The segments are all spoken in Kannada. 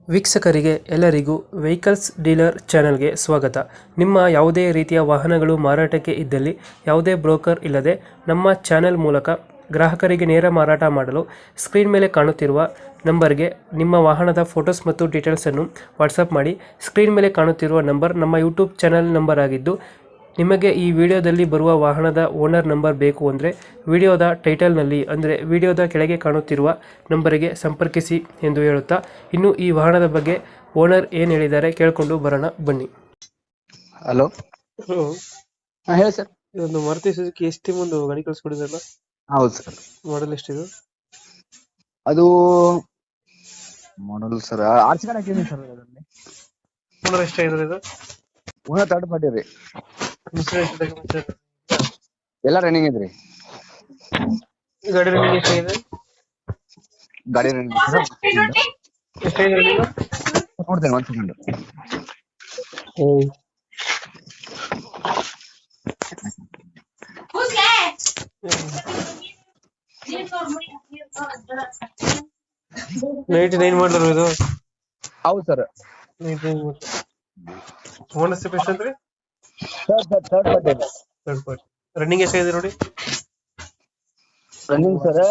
ವೀಕ್ಷಕರಿಗೆ ಎಲ್ಲರಿಗೂ ವೆಹಿಕಲ್ಸ್ ಡೀಲರ್ ಚಾನೆಲ್ಗೆ ಸ್ವಾಗತ. ನಿಮ್ಮ ಯಾವುದೇ ರೀತಿಯ ವಾಹನಗಳು ಮಾರಾಟಕ್ಕೆ ಇದ್ದಲ್ಲಿ ಯಾವುದೇ ಬ್ರೋಕರ್ ಇಲ್ಲದೆ ನಮ್ಮ ಚಾನೆಲ್ ಮೂಲಕ ಗ್ರಾಹಕರಿಗೆ ನೇರ ಮಾರಾಟ ಮಾಡಲು ಸ್ಕ್ರೀನ್ ಮೇಲೆ ಕಾಣುತ್ತಿರುವ ನಂಬರ್ಗೆ ನಿಮ್ಮ ವಾಹನದ ಫೋಟೋಸ್ ಮತ್ತು ಡೀಟೇಲ್ಸನ್ನು ವಾಟ್ಸಪ್ ಮಾಡಿ. ಸ್ಕ್ರೀನ್ ಮೇಲೆ ಕಾಣುತ್ತಿರುವ ನಂಬರ್ ನಮ್ಮ ಯೂಟ್ಯೂಬ್ ಚಾನೆಲ್ ನಂಬರ್ ಆಗಿದ್ದು, ನಿಮಗೆ ಈ ವಿಡಿಯೋದಲ್ಲಿ ಬರುವ ವಾಹನದ ಓನರ್ ನಂಬರ್ ಬೇಕು ಅಂದರೆ ವಿಡಿಯೋದ ಟೈಟಲ್ನಲ್ಲಿ ಅಂದರೆ ವಿಡಿಯೋದ ಕೆಳಗೆ ಕಾಣುತ್ತಿರುವ ನಂಬರಿಗೆ ಸಂಪರ್ಕಿಸಿ ಎಂದು ಹೇಳುತ್ತಾ, ಇನ್ನು ಈ ವಾಹನದ ಬಗ್ಗೆ ಓನರ್ ಏನು ಹೇಳಿದ್ದಾರೆ ಕೇಳಿಕೊಂಡು ಬರೋಣ ಬನ್ನಿ. ಹಲೋ, ಹೇಳಿ ಸರ್. ಇದೊಂದು ಮಾರುತಿ ಸುಜುಕಿ ಎಸ್ಟಿ ಒಂದು ಗಾಡಿ ಕಳಿಸ್ಕೊಡಿದ್ರಲ್ಲ, ಹೌದು ಸರ್. ಮಾಡಲ್ ಎಷ್ಟಿದು? ಅದು ಮಾಡಲ್ ಸರ್ ಆರ್ಸಿ ಕಾರ್ಡ್ ಹಾಕಿದ್ದೀನಿ ಸರ್. ಅದರಲ್ಲಿ ಓನರ್ ಎಷ್ಟಾಗಿದ್ರೆ ಇದು? ಓನರ್ ಥರ್ಡ್ ಪಾರ್ಟಿ ರೀ. ಇನ್ಸೂರೆನ್ಸ್ ಎಲ್ಲ ರನ್ನಿಂಗ್ ಐತ್ರಿ. ಗಾಡಿ ರನ್ನಿಂಗ್ ಎಷ್ಟಾಗಿದೆ? ಗಾಡಿ ರನ್ನಿಂಗ್ ಎಷ್ಟಾಗಿದೆ ರನ್ನಿಂಗ್? ನೋಡ್ತೇನೆ, ಒಂದ್ ಸೆಕೆಂಡ್. ನೈನ್ ಮಾಡಲ್ ಇದು? ಹೌದು ಸರ್. ಓನರ್ಶಿಪ್ ಎಷ್ಟಂದ್ರಿ? Third party. Third party. Running ಎಷ್ಟಾಗಿದೆ ನೋಡಿ? ರನ್ನಿಂಗ್ ಸರ್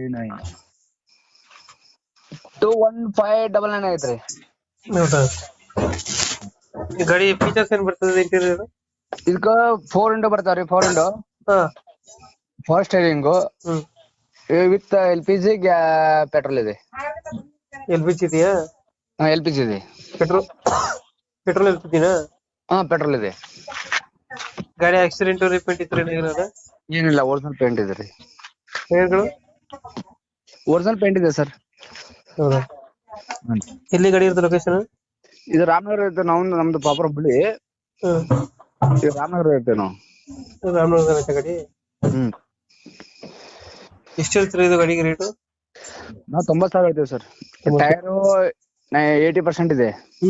21599 ಐತ್ರಿ. ಹೌದಾ? ಈ ಗಾಡಿ ಫೀಚರ್ಸ್ ಏನ್ ಬರ್ತದೆ ಇಂಟೀರಿಯರ್? ಇದಕ್ಕ 4 ವಿಂಡೋ ಬರ್ತಾವ್ರಿ. 4 ವಿಂಡೋ, ಹಾ, 4 ಸ್ಟೇರಿಂಗು ವಿತ್ LPG ಪೆಟ್ರೋಲ್ ಇದೆ. LPG ಇದೆಯಾ? LPG ಇದೆ. ಪೆಟ್ರೋಲ್ LPGನಾ? ಹಾ, ಪೆಟ್ರೋಲ್ ಇದೆ. ಗಾಡಿ ಆಕ್ಸಿಡೆಂಟ್ ರಿಪೇಂಟ್ ಇತ್ತು ಏನಿಲ್ಲ? ಏನಿಲ್ಲ, ಒರಿಜಿನಲ್ ಪೇಂಟ್ ಇದೆ ರೀ. ಟೈರ್ಗಳು ಒರಿಜಿನಲ್ ಪೇಂಟ್ ಇದೆ ಸರ್. ಹೌದಾ? ಎಲ್ಲಿ ಗಾಡಿ ಇರುತ್ತೆ ಲೊಕೇಶನ್? ಇದು ರಾಮನಗರ ಇರುತ್ತೆ. ನಮ್ದು ಪ್ರಾಪರ್ ಹುಬ್ಳಿ. ಇದು ರಾಮನಗರ ಇರುತ್ತೆ ನಾವು. ರಾಮನಗರ ಗಾಡಿ. ಎಷ್ಟು ಹೇಳ್ತೀರಾ ಇದು ಗಾಡಿಗೆ ರೇಟು? ನಾವು 90,000 ಹೇಳ್ತೀವಿ ಸರ್. ಟೈರು 80% ಇದೆ.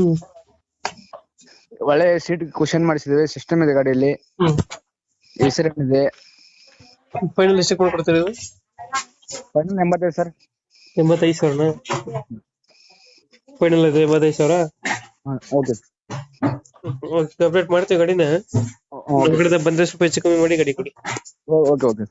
ಒಳ್ಳೆ ಸೀಟ್ ಕುಶನ್ ಮಾಡಿಸಿದ್ದೇವೆ. ಸಿಸ್ಟಮ್ ಇದೆ ಗಾಡಿಯಲ್ಲಿ. AC ಇದೆ. ಫೈನಲ್ ಎಷ್ಟು ಕೊಡ್ತೀರಾ ಇದು? Final 85 sir. 85,000? ಫೈನಲ್ ಇದೆ 85,000. ಓಕೆ, ಅಪ್ಡೇಟ್ ಮಾಡ್ತೀವಿ ಗಾಡಿನ. ಬಂದ್ರೆ ಸ್ವಲ್ಪ ಹೆಚ್ಚು ಕಮ್ಮಿ ಮಾಡಿ ಗಾಡಿ ಕೊಡಿ. ಓಕೆ.